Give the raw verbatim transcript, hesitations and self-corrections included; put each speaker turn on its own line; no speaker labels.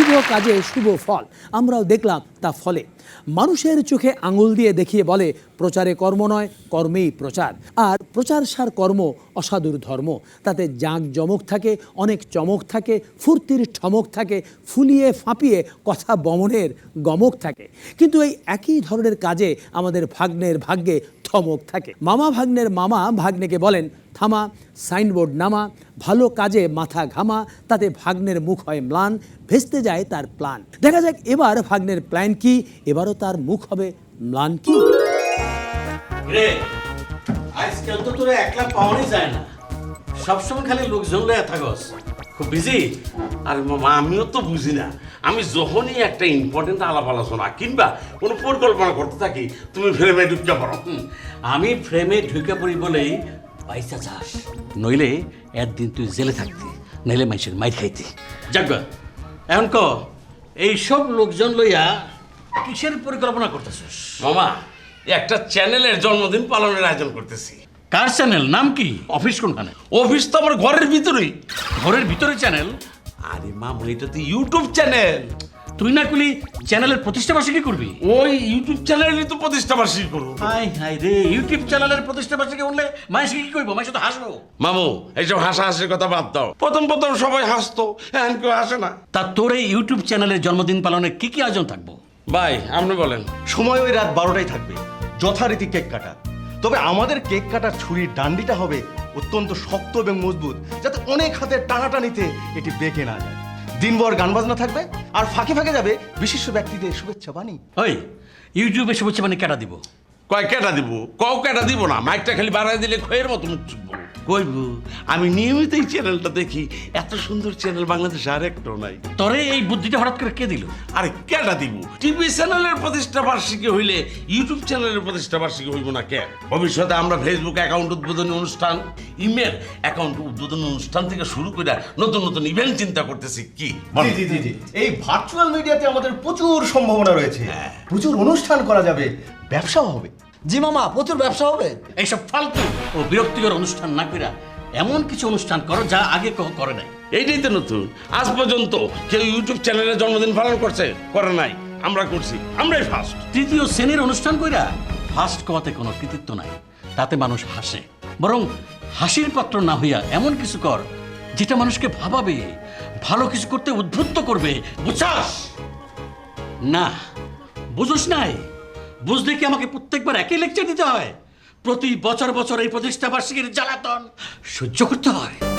কাজে শুভ ফল, আমরাও দেখলাম তা ফলে। মানুষের চোখে আঙুল দিয়ে দেখিয়ে বলে প্রচারে কর্ম নয়, কর্মেই প্রচার। আর প্রচার সার কর্ম অসাধুর ধর্ম। তাতে জাঁক জমক থাকে, অনেক চমক থাকে, ফুর্তির ঠমক থাকে, ফুলিয়ে ফাঁপিয়ে কথা বমনের গমক থাকে। কিন্তু এই একই ধরনের কাজে আমাদের ভাগ্নের ভাগ্যে থমক থাকে। মামা ভাগ্নের মামা ভাগ্নেকে বলেন থামা, সাইনবোর্ড নামা, ভালো কাজে মাথা ঘামা, তাতে ভাগ্নের মুখ হয় ম্লান, ভেস্তে যায় তার প্ল্যান। দেখা যাক এবার ভাগ্নের প্ল্যান কি, এবারও তার মুখ হবে ম্লান কি।
রে আজকাল তো তোরা একলা পাওয়াই যায় না, সবসময় খালি লোকজন লয়ে থাকস, খুব বিজি। আর মামা আমিও তো বুঝি না, আমি যখনই একটা ইম্পর্টেন্ট আলাপ আলোচনা কিংবা কোনো পরিকল্পনা করতে থাকি তুমি ফ্রেমে ঢুকে পড়ো। আমি ফ্রেমে ঢুকে পড়ি বলেই পয়সা চাস, নইলে একদিন তুই জেলে থাকতি, নইলে মানুষের মাইর খাইতি। যাক এখন ক এইসব লোকজন লইয়া কিসের পরিকল্পনা করতেছিস? মামা একটা চ্যানেলের জন্মদিন পালনের আয়োজন করতেছি। কার চ্যানেল? নাম কি? অফিস কোনখানে? অফিস তো আমার ঘরের ভিতরেই। ঘরের ভিতরে চ্যানেল? আরে মামা এটা তো ইউটিউব চ্যানেল। তুই না কুলি চ্যানেলের প্রতিষ্ঠা বার্ষিকী করবি? ওই ইউটিউব চ্যানেলেরই তো প্রতিষ্ঠা বার্ষিকী করবো। হাই হাই রে, ইউটিউব চ্যানেলের প্রতিষ্ঠা বার্ষিকী বললে মানুষ কি কইবো? মানুষ তো হাসবো। মামু এইসব হাসাহাসির কথা বাদ দাও, প্রথম প্রথম সবাই হাসতো, এখন কেউ হাসে না। তা তোর এই ইউটিউব চ্যানেলের জন্মদিন পালনের কি কি আয়োজন থাকবো? ভাই আপনি বলেন।
সময় ওই রাত বারোটায় থাকবে, যথারীতি কেক কাটা। তবে আমাদের কেক কাটার ছুরির ডান্ডিটা হবে অত্যন্ত শক্ত এবং মজবুত, যাতে অনেক হাতের টানাটানিতে এটি বেঁকে না যায়। দিনভর গান বাজনা থাকবে, আর ফাঁকে ফাঁকে যাবে বিশিষ্ট ব্যক্তিদের শুভেচ্ছা বাণী।
ওই ইউটিউবে শুভেচ্ছা বাণী কেটা দিব? কয় কেটা দিব? কও কেটা দিব না, মাইকটা খালি বাড়াই দিলে খয়ের মতো মুখ চুপবো। কইব আমি নিয়মিত এই চ্যানেলটা দেখি, এত সুন্দর চ্যানেল বাংলাদেশে আর একটাও নাই। তরে এই বুদ্ধিটা হঠাৎ করে কে দিল? আরে কেটা দিব? টিভি চ্যানেলের প্রতিষ্ঠা বার্ষিকী হইলে ইউটিউব চ্যানেলের প্রতিষ্ঠা বার্ষিকী হইব না কেন? ভবিষ্যতে আমরা ফেসবুক অ্যাকাউন্ট উদ্বোধনী অনুষ্ঠান, ইমেল অ্যাকাউন্ট উদ্বোধনী অনুষ্ঠান থেকে শুরু করে নতুন নতুন ইভেন্ট চিন্তা করতেছি। কি
জি জি জি জি এই ভার্চুয়াল মিডিয়াতে আমাদের প্রচুর সম্ভাবনা রয়েছে, প্রচুর অনুষ্ঠান করা যাবে, ব্যবসাও হবে।
জি মামা, প্রচুর ব্যবসা হবে।
এইসব ফালতু ও বিরক্তিকর অনুষ্ঠান না কইরা এমন কিছু অনুষ্ঠান করো যা আগে কেউ করে নাই। এইটাই তো নতুন। আজ পর্যন্ত কেউ ইউটিউব চ্যানেলের জন্মদিন পালন করছে? করে নাই। আমরা করছি, আমরাই ফার্স্ট। তৃতীয় শ্রেণীর অনুষ্ঠান কইরা ফার্স্ট কোয়াতে কোনো কৃতিত্ব নাই, তাতে মানুষ হাসে। বরং হাসির পাত্র না হইয়া এমন কিছু কর যেটা মানুষকে ভাবাবে, ভালো কিছু করতে উদ্বুদ্ধ করবে। বুঝছাস না? বুঝোস নাই? বুঝলে কি আমাকে প্রত্যেকবার একই লেকচার দিতে হয়? প্রতি বছর বছর এই প্রতিষ্ঠা বার্ষিকীর জ্বালাতন সহ্য করতে হয়?